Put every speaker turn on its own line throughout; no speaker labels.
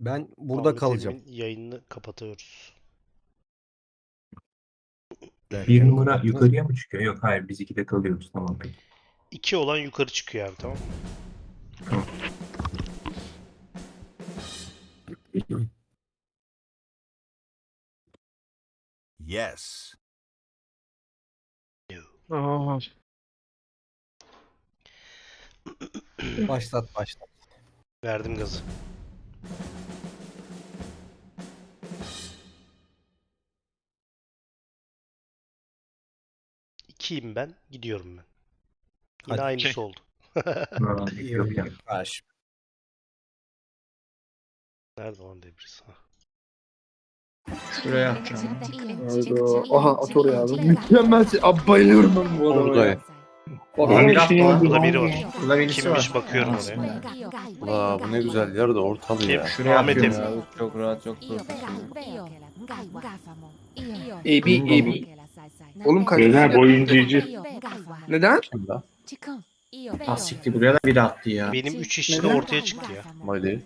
Ben burada
Ahmet
kalacağım.
Emin'in yayınını kapatıyoruz.
Bir numara yukarıya mı çıkıyor? Yok hayır biz 2'de kalıyoruz. Tamam peki.
2 olan yukarı çıkıyor abi, tamam mı?
Tamam.
Yes.
Aa,
Başlat.
Verdim gazı. İkiyim ben. Gidiyorum ben. Yine
Hadi.
aynısı oldu.
Tamam, yok ya.
Karşı.
Nerede lan Debris? Ha.
şuraya atacağım.
Hayda. Aha at oraya abi. Mükemmel şey. Abi bayılıyorum ben bu adama ya.
Buradayım.
Bak,
Bir hafta var.
Burada biri var.
Burada birisi
Kimmiş
var.
bakıyorum
Aslında.
Vaa bu ne güzel yer de ortalı
Kim?
ya.
Şuraya
Ahmet
atıyorum.
Emin.
Ya, çok rahat, çok profesyonel.
AB. Oğlum kaç
Beyler bu oyuncuyu
Neden?
Kim la?
Ah siktir, buraya da biri attı ya.
Benim 3 işçi de ortaya çıktı ya.
Mali.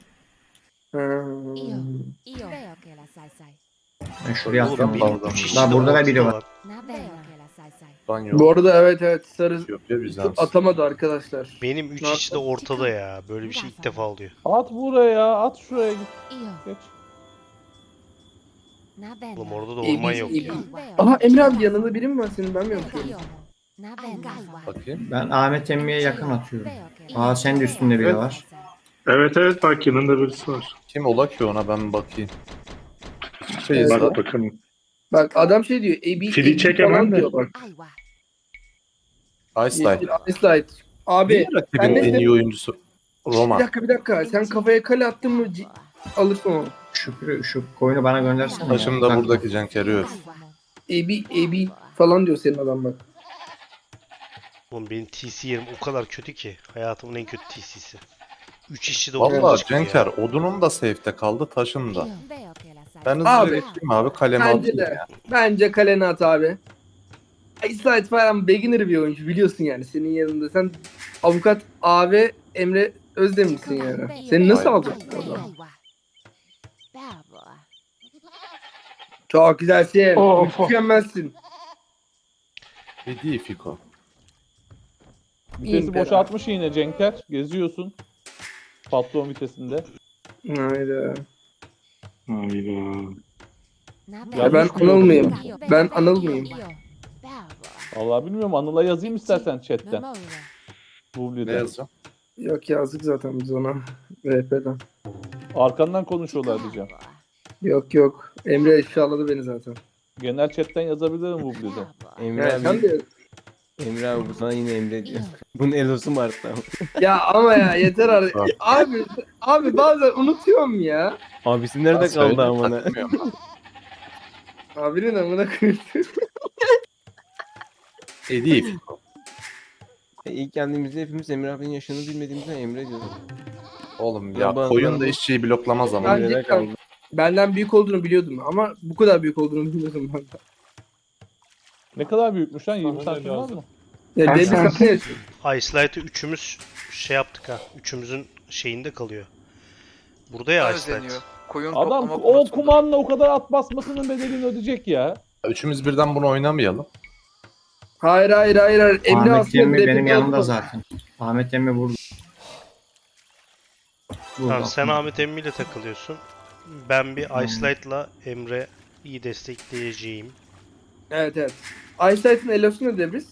Ben şuraya
Oğlum
attım.
benim
Pardon.
3 işçi
Lan
de
burada da
ortada
biri var.
lan.
Banyo.
Bu arada evet sarı
Etiyopya Bizans.
atamadı arkadaşlar.
Benim 3
Ne
işçi de ortada ya. Böyle bir şey ilk defa oluyor.
At buraya, at şuraya git. Geç.
Oğlum orada da orman yok ya.
Aha Emre abi yanında biri mi var senin, ben mi yapıyorum?
Bakayım.
Ben Ahmet Emmi'ye yakın atıyorum. Aa sen de üstünde biri var.
Evet bak yanında birisi var.
Kim ola ki ona ben bakayım. Şeyiz
Evet.
lan.
Bak bakalım.
Bak adam şey diyor. AB
Fili çek hemen de.
diyor bak.
Iceline.
Ice Abi
Niye
ben
rakibin
ne
en iyi oyuncusu? Roma.
bir dakika. Sen kafaya kale attın mı alırsın onu.
Şükrü şu koyunu bana göndersene.
Taşım da buradaki Cenker'i öf.
AB falan diyor senin adam bak.
Oğlum benim TC yerim o kadar kötü ki. Hayatımın en kötü TC'si. 3 işçi de ortada
Valla
çıktı
Cenker
ya.
odunum da safe'te kaldı, taşın da. Ben hızlıca
Abi,
geçeyim abi, kalemi
Bence
atayım
de.
ya.
Bence kalene at abi. Ice falan beginner bir oyuncu biliyorsun yani senin yanında. Sen avukat abi Emre Özdemir'sin yani. Seni nasıl
Aynen.
alacak bu adam? Çok güzelsin.
Of.
Mükemmelsin.
Hediye Fiko.
Vitesi
İyi,
boşaltmış yine Cenker. Geziyorsun. Patron vitesinde.
Hayda.
Hayda.
Ya ben
Yanlış mı
Anıl
yok?
mıyım? Ben Anıl mıyım?
Vallahi bilmiyorum. Anıl'a yazayım istersen chatten.
Ne
Bubli'de.
yazacağım?
Yok yazdık zaten biz ona. RP'den.
Arkandan konuşuyorlar diyeceğim.
Yok. Emre ifşaladı beni zaten.
Genel chatten yazabilirim Bubli'de.
Emre
Yani sen
abi,
de...
Emre abi bu sana yine Emre diyor. Bunun elosu mu arttı ama?
Ya ama ya yeter artık. Abi bazen unutuyorum ya.
Abisi nerede kaldı amına?
Takmıyorum lan.
Abinin amına koyayım.
Hediye Fiko.
İlk geldiğimizde hepimiz Emre abinin yaşını bilmediğimizden Emre diyorduk.
Oğlum ya
Bana-
koyun da işçiyi bloklamaz ama.
Ben
Emre'de
cidden
kaldı.
benden büyük olduğunu biliyordum ama bu kadar büyük olduğunu bilmiyordum ben.
Ne kadar büyükmüş lan? 20 santim var mı?
Ya Davis
sen-
ne yaşıyor?
Icelight'ı üçümüz şey yaptık ha. Üçümüzün şeyinde kalıyor. Burada ya Icelight.
Koyun
Adam
toplama
o
konusunda.
kumanla o kadar at basmasının bedelini ödeyecek ya.
Üçümüz birden bunu oynamayalım.
Hayır. Emre
Ahmet
aslında
Emmi
rap'i
benim yanımda
bozdu.
zaten. Ahmet Emmi burada.
Tamam, sen Ahmet Emmi ile takılıyorsun. Ben bir Icelight'la Emre'yi destekleyeceğim.
Evet. Eyesight'ın elosu ne Debris?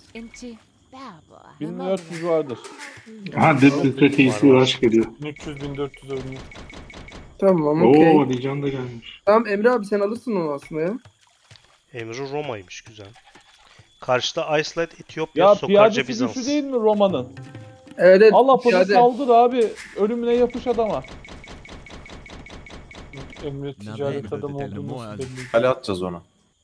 1400 vardır.
Ha Deadpool'da TC rush geliyor.
300-1400 oynuyor.
Tamam okey.
Oo Dican da gelmiş.
Tamam Emre abi sen alırsın onu aslında ya.
Emre Roma'ymış, güzel. Karşıda Icelight Etiyopya,
Ya
Sokarca
piyadesi
Bizans.
güçlü değil mi Roma'nın?
Evet.
Allah pası
piyade.
saldır abi. Ölümüne yapış adama.
Emre ticaret adamı olduğunu
Kale atacağız ona.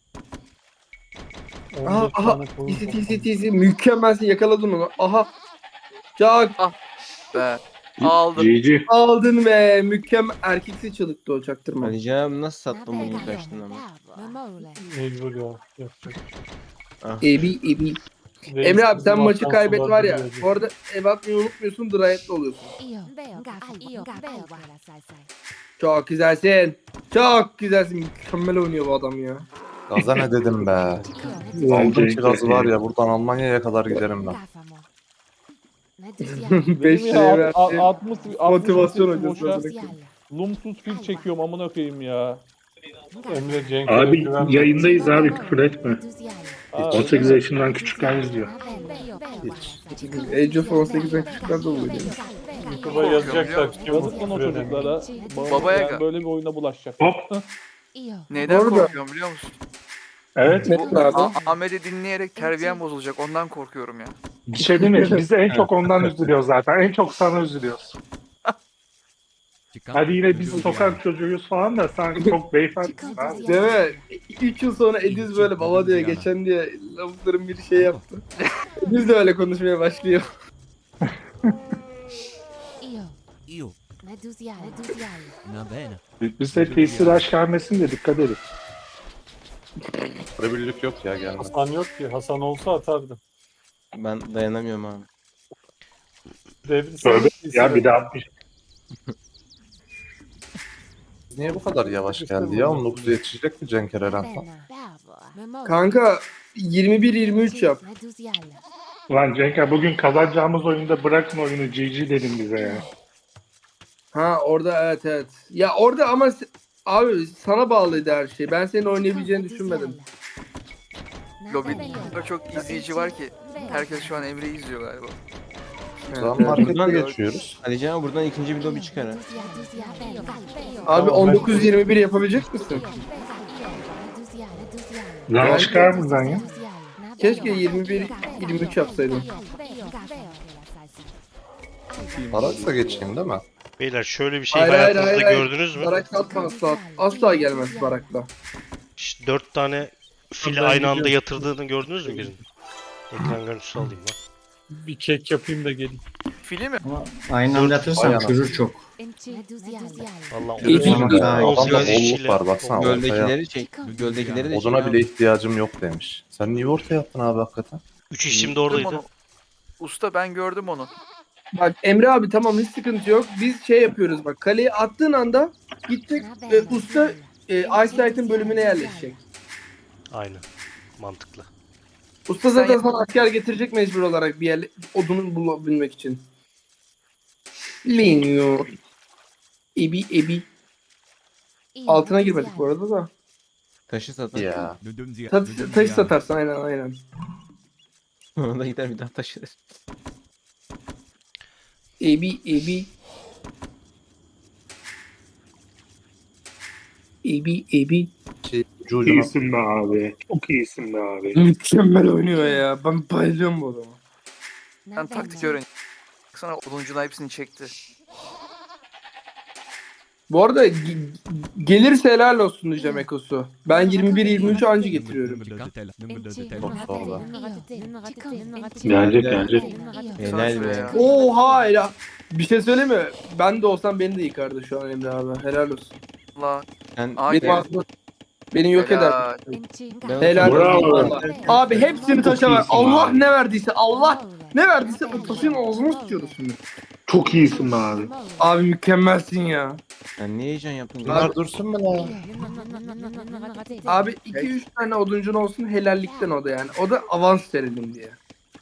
Aha. TC. Mükemmelsin, yakaladın onu. Aha. Çok
Be. Aldım.
GG.
aldın ve mükemmel erkeksi çalıktı o çaktırma.
Ali Can abi nasıl sattın bunu ilk açtın ama?
Mecbur ya. Yapacak.
AB. Emre abi sen maçı kaybet var ya. Bu arada ev atmayı unutmuyorsun, dirayetli oluyorsun. Çok güzelsin. Çok güzelsin. Mükemmel oynuyor bu adam ya.
Gaza ne dedim be.
Ulan
Aldım
Cenk
kirazı
ya.
var ya buradan Almanya'ya kadar giderim ben.
5
Benim
liraya
ya
verdi.
60
Motivasyon
vitesi
hocası.
boşa
bırakın.
Lumsuz fil çekiyorum amına koyayım ya.
Emre Cenk'e
Abi
güvenme.
yayındayız abi, küfür etme.
Aa,
18 yaşından küçükler izliyor.
Age of 18'den küçükler de oluyor.
YouTube'a yazacaklar. kim
yazık lan o
küfür eden.
çocuklara.
Babaya
Yani
gel.
böyle bir oyuna bulaşacak.
Hop.
Neden
Orada-
korkuyorum biliyor musun?
Evet.
Ne abi?
Ahmet'i dinleyerek terbiyem bozulacak. Ondan korkuyorum ya.
Bir şey demeyiz. Biz de en çok ondan üzülüyoruz zaten. En çok sana üzülüyoruz. Hadi yine biz sokak çocuğuyuz falan da sen çok beyefendisin abi.
Değil mi? 3 yıl sonra Ediz böyle baba diyor geçen diye lavukların bir şey yaptı. Ediz de öyle konuşmaya başlıyor.
Biz de tesir aşk gelmesin de dikkat edin.
Birlik yok ya gelmez.
Hasan yok ki. Hasan olsa atardı.
Ben dayanamıyorum abi.
Devri
Tövbe
sen-
ya, bir de 60.
Niye bu kadar yavaş geldi ya? 19'a yetişecek mi Cenk Eren?
Kanka 21-23 yap.
Ulan Cenk, bugün kazanacağımız oyunda bırakın oyunu, GG dedim bize ya.
Ha orada evet. Ya orada ama abi sana bağlıydı her şey. Ben senin oynayabileceğini düşünmedim.
Lobby'de çok izleyici var ki. Herkes şu an Emre'yi izliyor galiba.
O zaman
Evet.
markete geçiyoruz.
Alican abi buradan ikinci bir lobi çıkar ha.
Abi 19-21 yapabilecek misin?
Lan çıkar buradan ya.
Keşke 21-23 yapsaydın.
Baraksa geçeyim değil mi?
Beyler şöyle bir şey
Hayır, hayır,
hayatınızda
hayır.
gördünüz mü?
Barak satma asla. Asla gelmez Barak'la.
İşte 4 tane fili
Ben
aynı anda
gidiyorum.
yatırdığını gördünüz mü birinin? Ekran görüntüsü alayım lan.
Bir kek yapayım da gelin.
Fili mi?
Ama aynı anda atırsan
Aynen.
çürür çok.
Vallahi
İyi, iyi.
Adamda
18
bolluk
işçiyle.
var baksana ortaya.
Göldekileri çek. Göldekileri de çek.
Oduna
abi.
bile ihtiyacım yok demiş. Sen niye ortaya attın abi hakikaten?
3 işçim de
Gördüm
oradaydı.
onu. Usta ben gördüm onu.
Bak Emre abi tamam hiç sıkıntı yok. Biz şey yapıyoruz bak. Kaleye attığın anda gidecek usta Eyesight'ın bölümüne yerleşecek.
Aynen. Mantıklı.
Usta zaten
Sen-
sana asker getirecek mecbur olarak bir yer odunu bulabilmek için. Linyo. Ebi. Altına girmedik bu arada da.
Taşı satar.
Ya.
Taş satarsın aynen.
Ona da gider bir daha taşır.
Ebi.
Cucuna.
İyisin be abi. Çok iyisin be abi.
Mükemmel oynuyor ya. Ben bayılıyorum bu adama.
Ben taktik öğren. Sana oduncunun hepsini çekti.
Bu arada gelirse helal olsun diyeceğim Ekos'u. Ben 21-23 anca getiriyorum.
Gelecek.
Helal be.
Oha helal. Bir şey söyleyeyim mi? Ben de olsam beni de yıkardı şu an Emre abi. Helal olsun.
La.
Sen
Aynen.
Beni yok eder.
Helal.
Helal
Bravo.
olsun. vallahi. Abi hepsini taşa ver. Allah ne verdiyse ne verdiyse o taşın ağzına sıçıyoruz şimdi.
Çok iyisin be abi.
Abi mükemmelsin ya.
Sen niye heyecan yaptın?
Bunlar dursun mu lan?
Abi 2-3 tane oduncun olsun helallikten o da yani. O da avans verelim diye.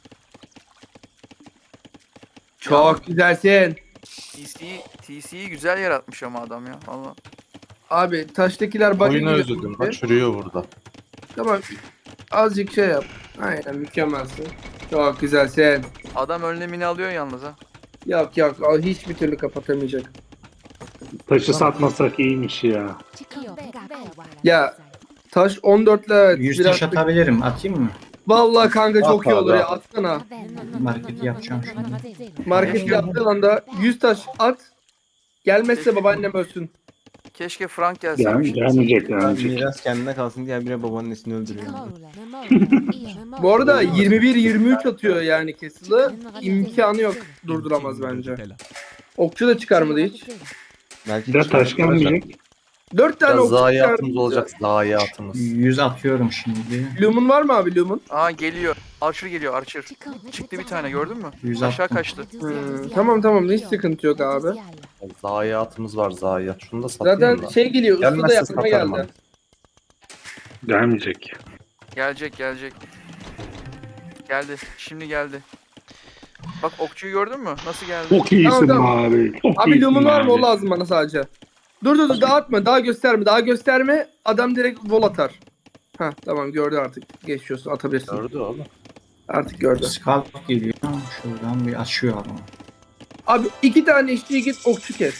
Çok güzelsin.
TC'yi güzel yaratmış ama adam ya. Valla.
Abi taştakiler bak.
Oyunu özledim. Bak çürüyor burada.
Tamam. Azıcık şey yap. Aynen mükemmelsin. Çok güzelsin.
Adam önlemini alıyor yalnız ha.
Yok hiçbir türlü kapatamayacak.
Taşı satmasak iyiymiş ya.
Ya taş 14 ile evet,
100
biraz
taş atabilirim. Atayım mı?
Vallahi kanka çok
At
iyi olur
abi,
ya
at.
atsana.
Marketi yapacağım şimdi.
Market yaptığın anda 100 taş at. Gelmezse babaannem ölsün.
Keşke Frank gelseymiş.
Gelmeyecek.
Miras kendine kalsın diye bire babaannesini öldürüyor.
Bu arada 21-23 atıyor yani Castle'ı. İmkanı yok. Durduramaz bence. Okçu da çıkarmadı hiç.
Belki
Bir de taş gelmeyecek.
4 tane
Ya
okçu
zayiatımız
çağırdım.
olacak. Zayiatımız.
100 atıyorum şimdi.
Lumen var mı abi Lumen?
Aa geliyor. Archer geliyor Archer. Çıktı bir tane gördün mü?
100
Aşağı
attım.
kaçtı.
Tamam hiç sıkıntı yok abi.
Zayiatımız var zayiat. Şunu da satayım
Zaten
da.
şey geliyor. Usta da
Gelmezse
yapıma
satarım
geldi.
abi.
Gelmeyecek.
Gelecek. Geldi. Şimdi geldi. Bak okçuyu gördün mü? Nasıl geldi?
Çok iyisin
Tamam.
abi. Çok
Abi
iyisin
Lumen var mı? O
abi.
lazım bana sadece. Dur dağıtma. Daha gösterme. Adam direkt vol atar. Ha tamam gördü artık. Geçiyorsun atabilirsin.
Gördü oğlum.
Artık gördü.
Scout geliyor. Şuradan bir açıyor adamı.
Abi 2 tane işçiyi git okçu kes.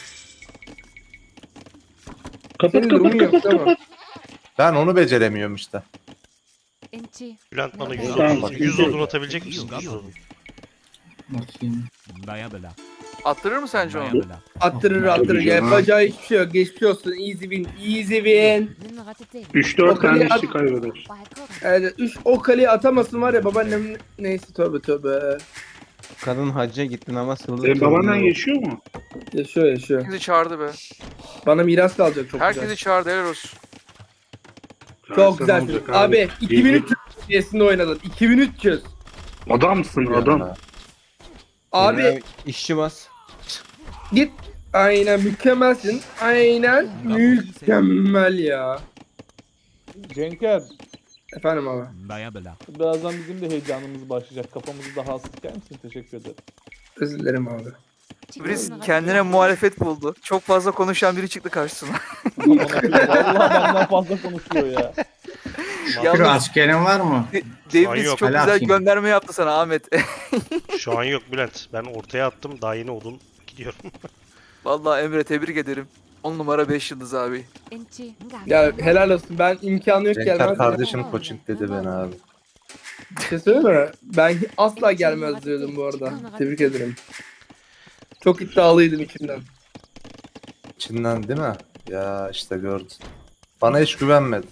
Kapat
Senin durumun yok değil mi?
Ben onu beceremiyorum işte.
Bülent bana 100
Tamam.
odun, 100 odun atabilecek misin? 100 odun.
Bakayım.
Attırır mı sence onu?
Attırır.
Tabii canım.
Yapacağı hiçbir şey yok. Geçmiş olsun. Easy win.
3-4 tane
Bakalım.
işi kaybeder.
Evet 3 o kaleyi atamasın var ya babaannem neyse tövbe.
Kadın hacca gitti namaz kıldı.
Senin babaannen
kılmıyor.
yaşıyor mu?
Yaşıyor.
Herkesi çağırdı be.
Bana miras kalacak çok
Herkesi
güzel.
çağırdı helal olsun.
Çok
Sen
güzel.
olacak
Abi 2300 seviyesinde oynadın. 2300.
Adamsın adam.
Abi
Emre işçi bas.
git. Aynen mükemmelsin. Aynen mükemmel ya.
Cenker,
Efendim abi.
birazdan bizim de heyecanımız başlayacak. Kafamızı daha az sıkar mısın? Teşekkür ederim.
Özür dilerim abi.
Briz kendine muhalefet buldu. Çok fazla konuşan biri çıktı karşısına.
Vallahi benden fazla konuşuyor ya.
Şükür
Yalnız
askerin var mı?
Devriz
yok.
çok
Helal
güzel
olsun.
gönderme yaptı sana Ahmet.
Şu an yok Bülent. Ben ortaya attım. Daha yeni odun gidiyorum.
Vallahi Emre tebrik ederim. 10 numara 5 yıldız abi.
Ya helal olsun. Ben imkanı yok
Cenker
gelmez.
kardeşim coaching dedi beni abi.
Bir şey söyleyeyim mi? Ben asla gelmez diyordum bu arada. Tebrik ederim. Çok iddialıydım içimden.
İçinden değil mi? Ya işte gördün. Bana hiç güvenmedi.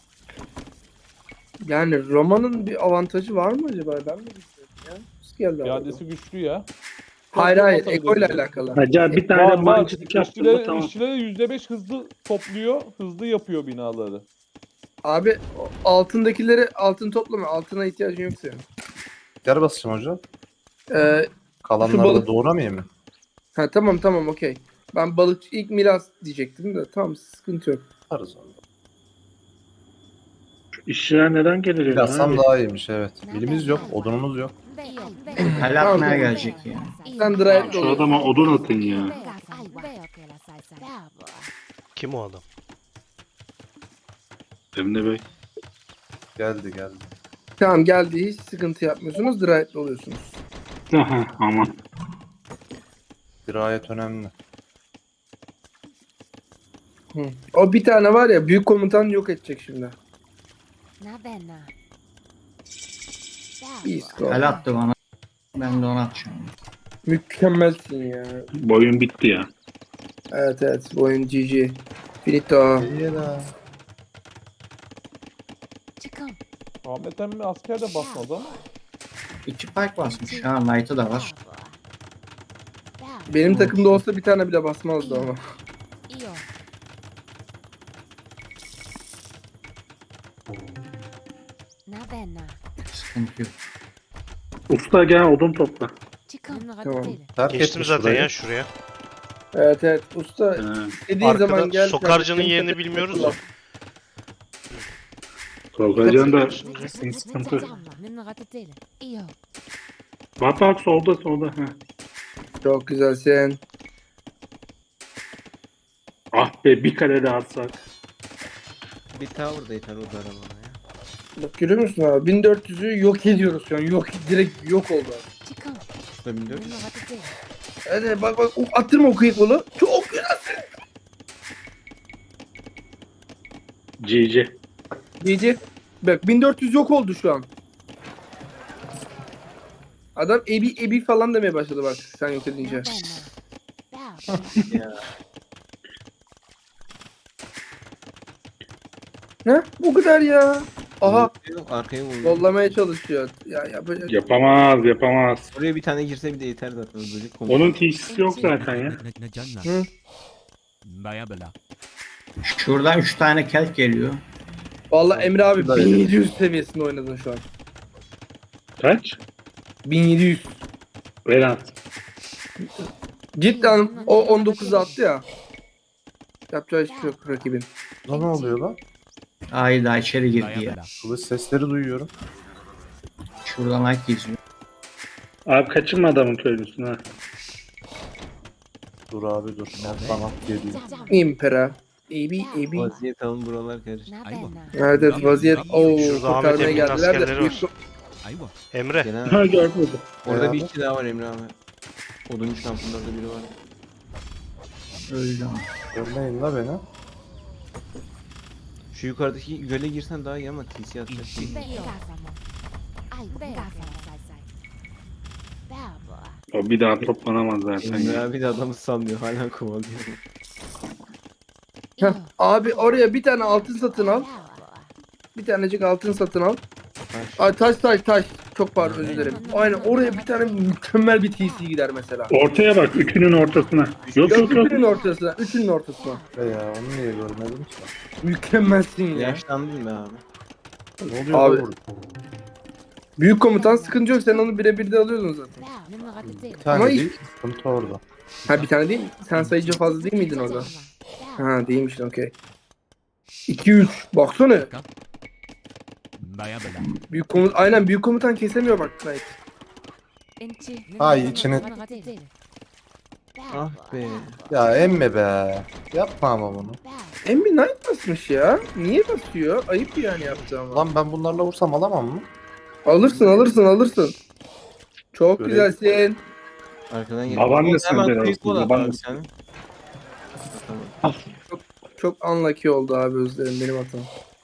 Yani Roma'nın bir avantajı var mı acaba? Ben mi bilmiyorum ya. Nasıl geldi abi?
İadesi güçlü ya.
Hayır. Eko ile alakalı.
Hacı bir tane
Var
de
var.
mancınık yaptın mı tamam.
İşçilere %5 hızlı topluyor. Hızlı yapıyor binaları.
Abi altındakileri altın toplama. Altına ihtiyacın yok senin.
Gel basacağım hocam.
Şu
Kalanları
balık-
da doğramayayım mı?
Ha tamam okey. Ben balıkçı ilk milas diyecektim de tamam sıkıntı yok.
Yaparız onu.
İşçiler neden gelir ya?
Yazsam daha iyiymiş evet. Bilimiz yok, odunumuz yok.
Kale atmaya gelecek ya.
Sen drive
Şu adama odun atın ya.
Kim o adam?
Emre Bey.
Geldi.
Tamam geldi hiç sıkıntı yapmıyorsunuz. Drive'li oluyorsunuz.
Aha aman.
Dirayet önemli.
O bir tane var ya büyük komutan yok edecek şimdi. İyi skor.
Kale attı bana. Ben de onu atacağım.
Mükemmelsin ya.
Boyun bitti ya.
Evet bu oyun GG. Finito.
İyi la.
Ahmet emmi asker de basmadı ama.
2 pike basmış. Ha Knight'ı da var.
Benim takımda olsa bir tane bile basmazdı ama.
Sıkıntı yok.
Usta gel odun topla.
Tamam.
Terk
Geçtim
etmiş
zaten
burayı.
ya şuraya.
Evet usta
He.
dediğin zaman
Arkada
gel.
sokarcının
kardeşim,
yerini
takım
bilmiyoruz
takıla.
ya.
Sokacan da sıkıntı. Bak solda. Heh.
Çok güzelsin.
Ah be bir kare daha atsak.
Bir tower da yeter o da bana ya.
Bak görüyor musun abi? 1400'ü yok ediyoruz şu an. Direkt yok oldu abi.
Usta 1400.
Hadi bak attırma o kıyıklı. Çok güzel.
GG.
GG. Bak 1400 yok oldu şu an. Adam ebi falan demeye başladı bak sen yok edince. Ne? Bu kadar ya. Aha
Yok, arkaya vurdu.
yollamaya çalışıyor. Ya yapacak.
Yapamaz.
Oraya bir tane girse bir de yeter zaten. Böcek
Onun TC'si yok zaten ya.
Hı.
Şuradan 3 tane kelp geliyor.
Vallahi Emre abi
Şurada
1700 seviyesinde oynadın şu an.
Kaç?
1700.
Velant.
Cidden o 19'a attı ya. Yapacağı hiçbir şey yok rakibin.
Lan ne oluyor lan?
Ay daha içeri girdi ya.
Kılıç sesleri duyuyorum.
Şuradan ay geziyor.
Abi kaçırma adamın köylüsünü ha.
Dur abi dur. Bana geliyor.
Impera. Ebi.
Vaziyet alın buralar karıştı.
Evet evet vaziyet. Oo
Şurada Ahmet
kurtarmaya
Emin'in
geldiler de.
askerleri var. Emre.
Gelen
Ha gördüm.
orada bir
abi.
kişi daha var Emre abi. Oduncu kampında orada biri var.
Öldü ama.
Görmeyin la beni.
Şu yukarıdaki göle girsen daha iyi ama TC atacak.
O bir daha toplanamaz zaten.
Emre
ya.
abi de adamı sanmıyor hala kovalıyor.
Heh, abi oraya bir tane altın satın al. Bir tanecik altın satın al. Ay taş. Çok pardon özür dilerim. Aynen oraya bir tane mükemmel bir TC gider mesela.
Ortaya bak, üçünün ortasına. Yok yok yok.
Üçünün ortasına. Üçünün ortasına.
Ya onu niye görmedim ki?
Mükemmelsin ya.
Yaşlandın be abi.
Ne oluyor
Abi.
lan burada?
Büyük komutan sıkıntı yok. Sen onu birebir de alıyordun zaten.
Bir tane
Ama
değil. Sıkıntı orada.
Ha bir tane değil mi? Sen sayıcı fazla değil miydin orada? Ha değilmişsin okey. 2-3. Baksana. Aynen büyük komutan kesemiyor bak Knight.
Ay içine.
Ah be.
Ya emme be. Yapma ama bunu.
Emmi Knight basmış ya. Niye basıyor? Ayıp yani yaptı ama.
Lan ben bunlarla vursam alamam mı?
Alırsın. Çok
Böyle-
güzelsin.
Arkadan gel.
Babaannesine
Hemen
de
quick
olsun,
wall at abi
babaannesi.
sen.
Çok unlucky oldu abi özlerim benim hatam.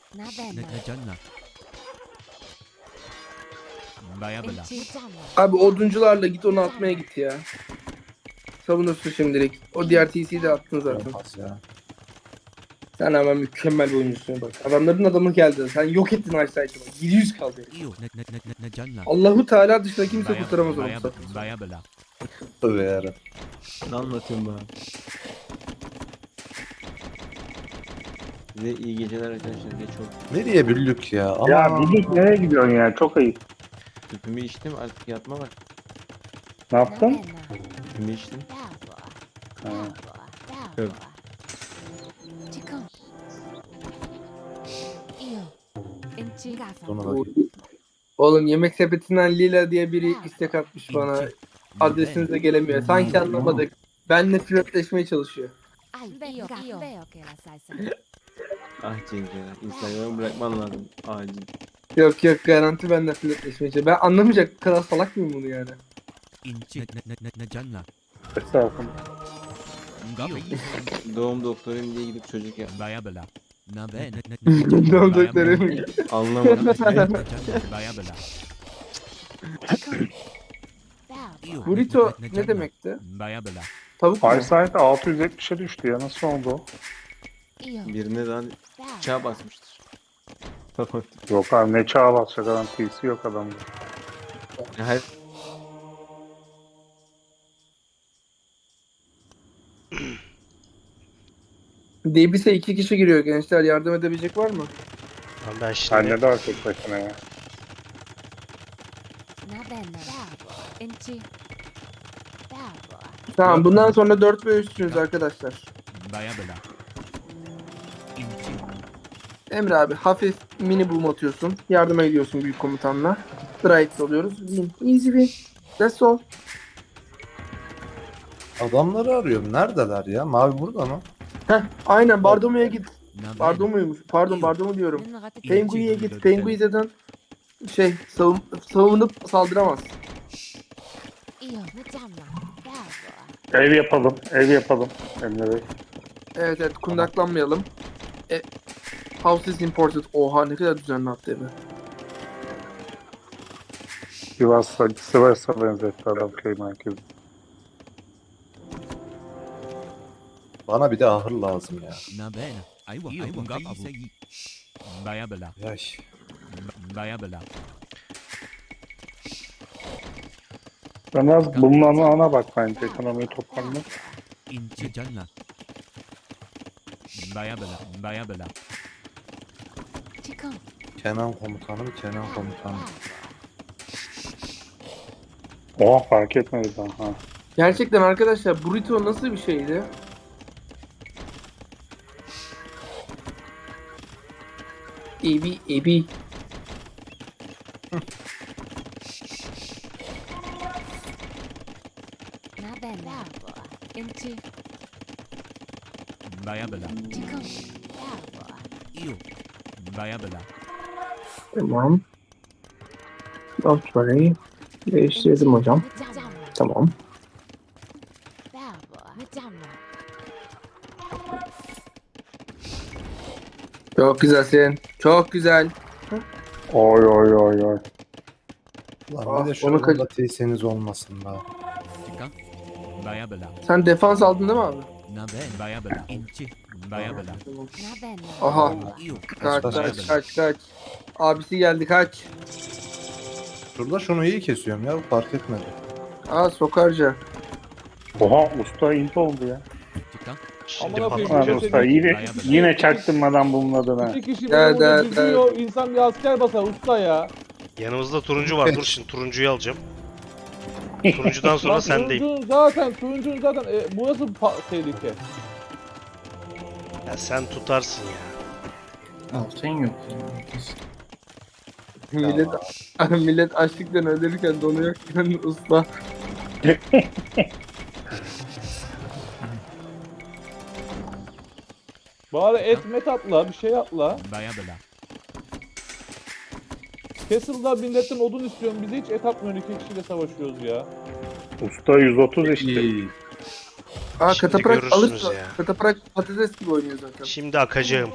Abi oduncularla git onu atmaya git ya. Savunursun şimdilik. O diğer TC'yi de attın zaten.
Yapmaz ya.
Sen hemen mükemmel bir oyuncusun bak. Adamların adamı geldi. Sen yok ettin Einstein'ı bak. 700 kaldı. Allahu Teala dışında kimse kurtaramaz onu. bu saatten.
Tövbe yarabbim.
Ne anlatıyorsun be abi? Size iyi geceler arkadaşlar. Geç oldu.
Nereye büllük ya? Ama
Ya Bilik nereye gidiyorsun ya? Çok ayıp.
Tüpümü içtim artık yatma bak.
Ne yaptın?
Tüpümü içtim.
Ha.
Yok.
Sonuna
Oğlum yemek sepetinden Lila diye biri istek atmış bana. Adresinize gelemiyor. Sanki anlamadık. Benle flörtleşmeye çalışıyor.
Ah Cenk ya. Instagram'ı bırakman lazım. Acil.
Yok garanti benle flörtleşmeye çalışıyor. Ben anlamayacak kadar salak mıyım bunu yani?
Estağfurullah.
Doğum doktoruyum diye gidip çocuk yap.
Doğum doktoru.
Anlamadım.
Burrito ne demekti? Tavuk mu?
Eyesight 670'e düştü ya. Nasıl oldu o?
Birine daha çağ basmıştır. Tamam.
Yok abi ne çağa basacak adam. TC yok adamda.
Her
DBS'e 2 kişi giriyor gençler. Yardım edebilecek var mı?
Lan ben şimdi
Anne daha tek başına ya.
Tamam bundan sonra 4 ve 3'sünüz arkadaşlar. Emre abi hafif mini boom atıyorsun. Yardıma gidiyorsun büyük komutanla. Strike alıyoruz. Win. Easy win. That's all.
Adamları arıyorum. Neredeler ya? Mavi burada mı?
Heh aynen Bardomu'ya git. Bardomu'ymuş. Pardon Bardomu diyorum. Pengui'ye git. Pengui zaten savunup saldıramaz.
Ev yapalım. Ev yapalım. Emre Bey.
Evet kundaklanmayalım. House is imported. Oha ne kadar düzenli attı evi.
Sivas'a benzetti adam köy merkezi.
Bana bir de ahır lazım ya. Yaş.
Ben az bunun ana bak bence ekonomiyi toparla.
Kenan komutanım, Kenan komutanım.
Oha fark etmedi daha. Ha.
Gerçekten arkadaşlar burrito nasıl bir şeydi? Ebi. Tamam. Option'ı değiştirdim hocam. Tamam. Çok güzelsin. Çok güzel.
Oy oy oy oy.
Lan bir de şu
onu
anda TS'niz olmasın da.
Sen defans aldın değil mi abi? Aha. Kaç. Abisi geldi kaç.
Şurada şunu iyi kesiyorum ya, fark etmedi.
Aa sokarca.
Oha usta int oldu ya.
Şimdi
Amına koyayım,
patlayacak.
Lan usta yine çaktırmadan bulmadın ha.
İki kişi
Gel,
beni burada
gel,
düzüyor. İnsan bir asker basar usta ya.
Yanımızda turuncu var. Dur şimdi turuncuyu alacağım. Turuncudan sonra
Lan
sendeyim.
turuncunun zaten burası tehlike.
Ya sen tutarsın ya.
Altın yok.
Millet açlıktan ölürken donuyorken usta.
Bari et met atla, bir şey atla. Castle'da milletten odun istiyorum. Bize hiç et atmıyor. İki kişiyle savaşıyoruz ya.
Usta 130 işte.
Aa
Şimdi
kataprak
görürsünüz
alırsa.
ya.
Kataprak patates gibi oynuyor zaten.
Şimdi akacağım.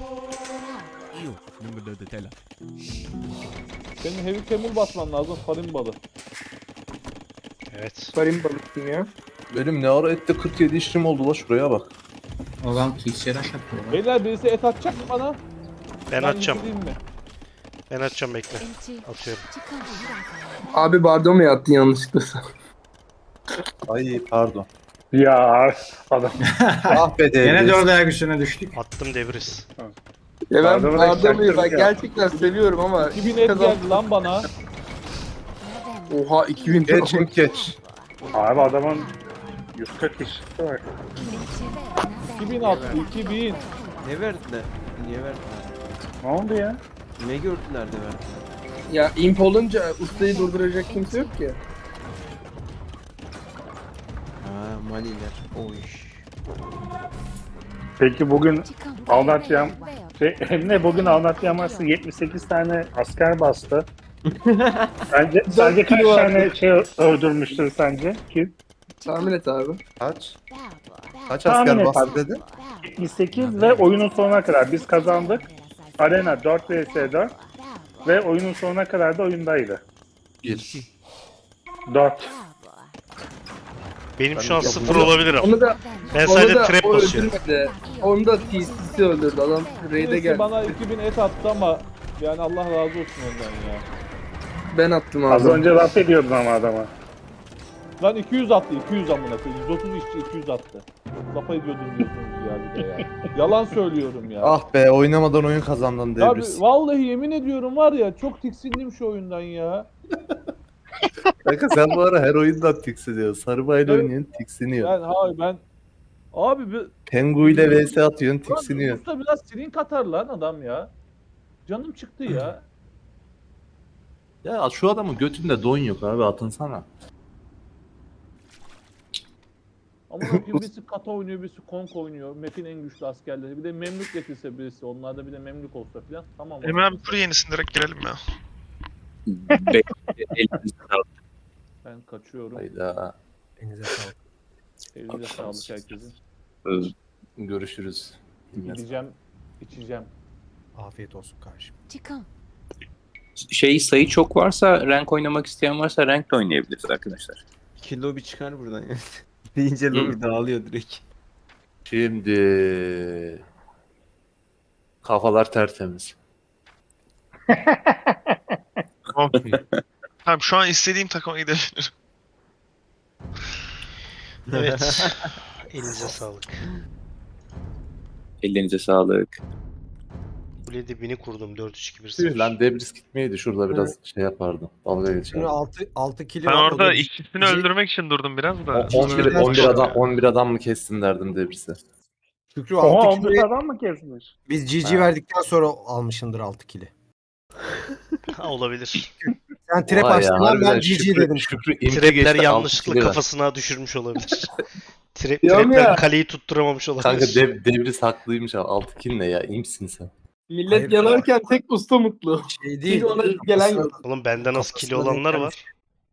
Senin heavy camel basman lazım. Farin balı.
Evet.
Farin balıksın ya.
Benim ne ara ette 47 işlim oldu la, şuraya bak.
Adam TC'ye rush atıyor lan.
Beyler birisi et atacak mı bana?
Ben atacağım.
yitireyim mi?
Ben atacağım bekle. Atıyorum.
Abi bardo mu yattın yanlışlıkla sen?
Ay pardon.
Ya adam.
Ah be
Gene
Devriz.
4 ayak üstüne düştük.
Attım devriz.
Ya ben
Bardo'mu da
bardo muyu ben
çaktırdı ya.
gerçekten seviyorum ama
2000 et geldi lan bana.
Oha 2000
Geçin geç.
Abi adamın 140 işçisi var.
2000 attı, 2000.
Ne verdiler? Niye verdiler?
Ne oldu ya?
Ne gördüler de verdiler?
Ya imp olunca ustayı durduracak kimse yok ki.
Ha Maliler. Oy.
Peki bugün anlatacağım ne bugün anlatacağım aslında 78 tane asker bastı. Sence kaç
kilo
tane şey öldürmüştür sence? Kim?
Tahmin et abi.
Kaç? Kaç
Tahmin
asker
et
bastı
abi.
dedin?
78 ve oyunun sonuna kadar biz kazandık. Arena 4 vs 4 ve oyunun sonuna kadar da oyundaydı.
1.
4.
Benim şu an 0 olabilir ama.
Onu da
Ben
onu
sadece
da
trap
o
basıyorum.
öldürmedi. Onu da TC'si öldürdü adam. Raid'e
Birisi
geldi.
bana 2000 et attı ama yani Allah razı olsun ondan ya.
Ben attım
Az
abi.
önce laf ediyordun ama adama.
Lan 200 attı, 200 amına koyayım. 130 işçi 200 attı. Lafa ediyordum diyorsunuz ya bir de ya. Yalan söylüyorum ya.
Ah be, oynamadan oyun kazandın
Abi
Devriz.
vallahi yemin ediyorum var ya çok tiksindim şu oyundan ya.
Kanka sen bu ara her oyundan tiksiniyorsun. Sarıbayla
Evet.
oynayan tiksiniyor.
Ben abi bir
Pengu ile vs atıyorsun,
Lan
tiksiniyor.
usta biraz silin katar lan adam ya. Canım çıktı ya.
Ya şu adamın götünde don yok abi, atınsana.
Ama bakayım birisi kata oynuyor, birisi konk oynuyor. Map'in en güçlü askerleri. Bir de memlük getirse birisi. Onlarda bir de memlük olsa filan. Tamam.
Emre abi kur yenisin, direkt girelim ya.
Ben kaçıyorum.
Hayda.
Elinize sağlık herkesin.
Görüşürüz.
Gideceğim, içeceğim.
Afiyet olsun kardeşim.
Sayı çok varsa, rank oynamak isteyen varsa rank de oynayabiliriz arkadaşlar.
İki lobi çıkar buradan ya. Deyince lobi dağılıyor direkt.
Şimdi kafalar tertemiz.
Okey. Tamam, şu an istediğim takıma gidebilirim.
Evet. Elinize sağlık.
Ellerinize sağlık.
Kule dibini kurdum 4-3-2-1-0.
Tüh lan Debris gitmeydi şurada biraz şey yapardı. Dalga geçerdi.
6 kilo
Ben
var, o
orada
da
ikisini öldürmek için durdum biraz da.
11 adam mı kestin derdim Debris'e.
Şükrü
Oha
6
11
kilo.
adam mı kesmiş?
Biz GG
Ha.
verdikten sonra almışındır 6 kilo.
Ha, olabilir.
Sen trap
Vay ya,
açtın lan,
harbiden
ben GG dedim.
Şükrü impe
Trapler
geçti,
yanlışlıkla
6 kilo ver.
kafasına düşürmüş olabilir.
Diyorum
Trapler
ya.
kaleyi tutturamamış olabilir.
Kanka Debris haklıymış abi. 6 kill ne ya? İyi misin sen?
Millet
Hayır.
yanarken tek usta mutlu.
Şey değil.
Çünkü ona gelen yok.
Oğlum bende nasıl kili
Kafasına
olanlar
denk
var.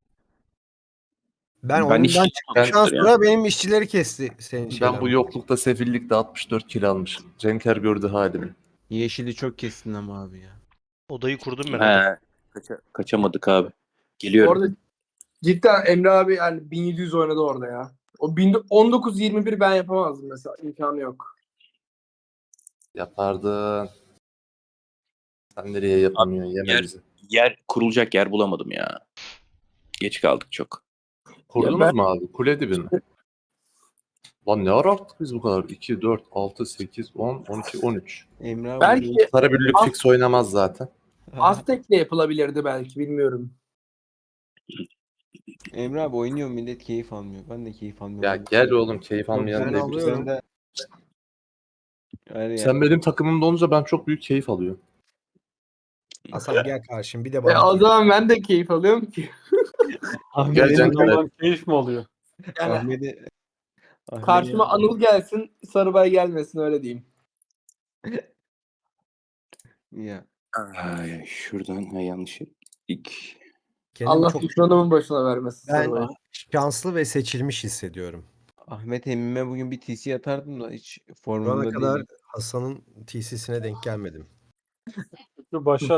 Ben
Ben
ondan
hiç
çıktıktan
ya.
sonra benim işçileri kesti senin şeyler.
Ben bu yoklukta sefillikte 64 kill almışım. Cenker gördü halimi.
Yeşili çok kestin ama abi ya.
Odayı kurdum ben. Orada.
Kaçamadık abi. Geliyorum.
Orada cidden Emre abi yani 1700 oynadı orada ya. O 19-21 ben yapamazdım mesela. İmkanı yok.
Yapardın. Sen nereye yapamıyorsun? Yeme
yer-
bizi.
Kurulacak yer bulamadım ya. Geç kaldık çok.
Kurdunuz mu abi? Kule dibi mi? Lan ne ara arttık biz bu kadar? 2, 4, 6, 8, 10, 12, 13.
Emre abi
Belki
Sarabüllük fix oynamaz zaten.
Aztek'le yapılabilirdi belki bilmiyorum.
Emre abi oynuyor, millet keyif almıyor. Ben de keyif almıyorum.
Ya gel oğlum keyif almayan
Ben
diye
alıyorum.
birisi.
Yani
Sen benim takımımda olunca ben çok büyük keyif alıyorum.
Hasan gel karşım bir de
O
bana.
zaman ben de keyif alıyorum ki.
Gel
Benim
Cenker.
zaman keyif mi oluyor?
Yani
Ahmet'e
karşıma Anıl gelsin, Sarıbay gelmesin öyle diyeyim.
ya.
Ay, şuradan yanlış.
Kendimi
Allah
çok
düşmanımın başına vermesin
ben
Sarıbay'ı.
şanslı ve seçilmiş hissediyorum.
Ahmet emmime bugün bir TC atardım da hiç
Şu ana
formunda
kadar
değilim.
Hasan'ın TC'sine denk gelmedim.
Dur, başlat.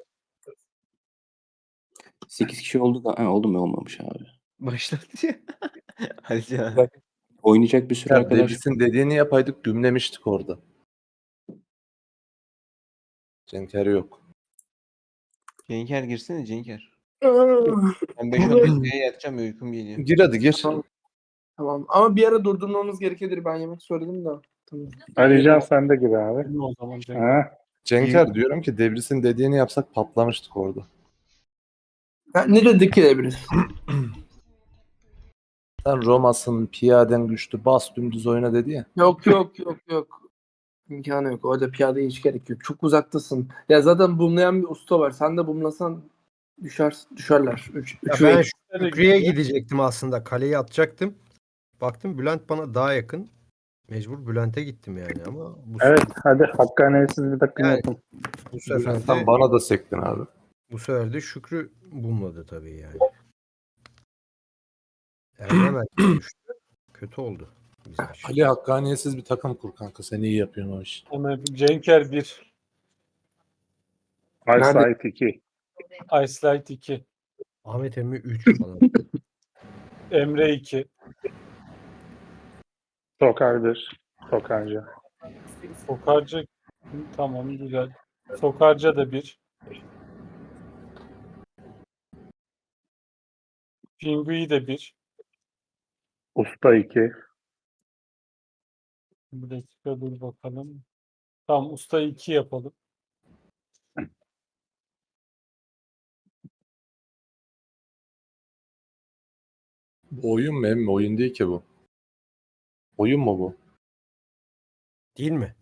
8 kişi oldu da oldu mu olmamış abi.
Başladı ya. Hadi ya.
Oynayacak bir sürü
Ya
arkadaş.
Debris'in dediğini yapaydık gümlemiştik orada. Cenker yok.
Cenker girsene Cenker. Ben 5-10 dakikaya yatacağım, uykum geliyor.
Gir hadi gir.
Tamam ama bir ara durdurmamız gerekebilir. Ben yemek söyledim de. Tamam.
Alican sen de gir abi.
Benim o zaman Cenk.
Ha?
Cenker diyorum ki Debris'in dediğini yapsak patlamıştık orada.
Ha, ne dedik ki Ebris?
Sen Roma'sın, piyaden güçlü, bas dümdüz oyna dedi ya.
Yok. İmkanı yok. Orada piyadeye hiç gerek yok. Çok uzaktasın. Ya zaten bumlayan bir usta var. Sen de bumlasan düşerler.
Ya ben Şükrü'ye gidecektim aslında. Kaleyi atacaktım. Baktım Bülent bana daha yakın. Mecbur Bülent'e gittim yani ama
Evet hadi hakkaniyetsiz bir takım
Yani-
yapın.
bu sefer
Sen
de
bana da sektin abi.
Şükrü bulmadı tabii yani. Erdem düştü. Kötü oldu. Bizim için.
Ali hakkaniyetsiz bir takım kur kanka. Sen iyi yapıyorsun o işi.
Hemen Cenker 1.
Eyesight 2.
Ice Light 2.
Ahmet Emmi 3 falan.
Emre 2.
Sokar 1. Sokarca.
Sokarca tamam güzel. Sokarca da 1. Pingui de 1.
Usta 2.
Bir dakika dur bakalım. Tamam usta 2 yapalım.
Bu oyun mu emmi? Oyun değil ki bu. Oyun mu bu?
Değil mi?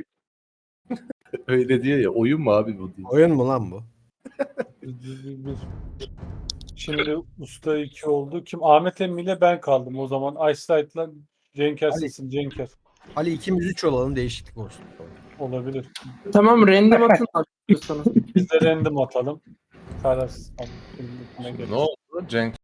Öyle diyor ya. Oyun mu abi bu değil.
Oyun mu lan bu?
Bir. Şimdi usta 2 oldu. Kim? Ahmet Emmi ile ben kaldım. O zaman Ice Light'la Cenker
Ali.
seçsin. Cenker.
Ali ikimiz 3 olalım, değişiklik olsun.
Olabilir.
Tamam random atın istiyorsanız.
Biz de random atalım. Kararsız. Tamam.
Ne oldu? Cenk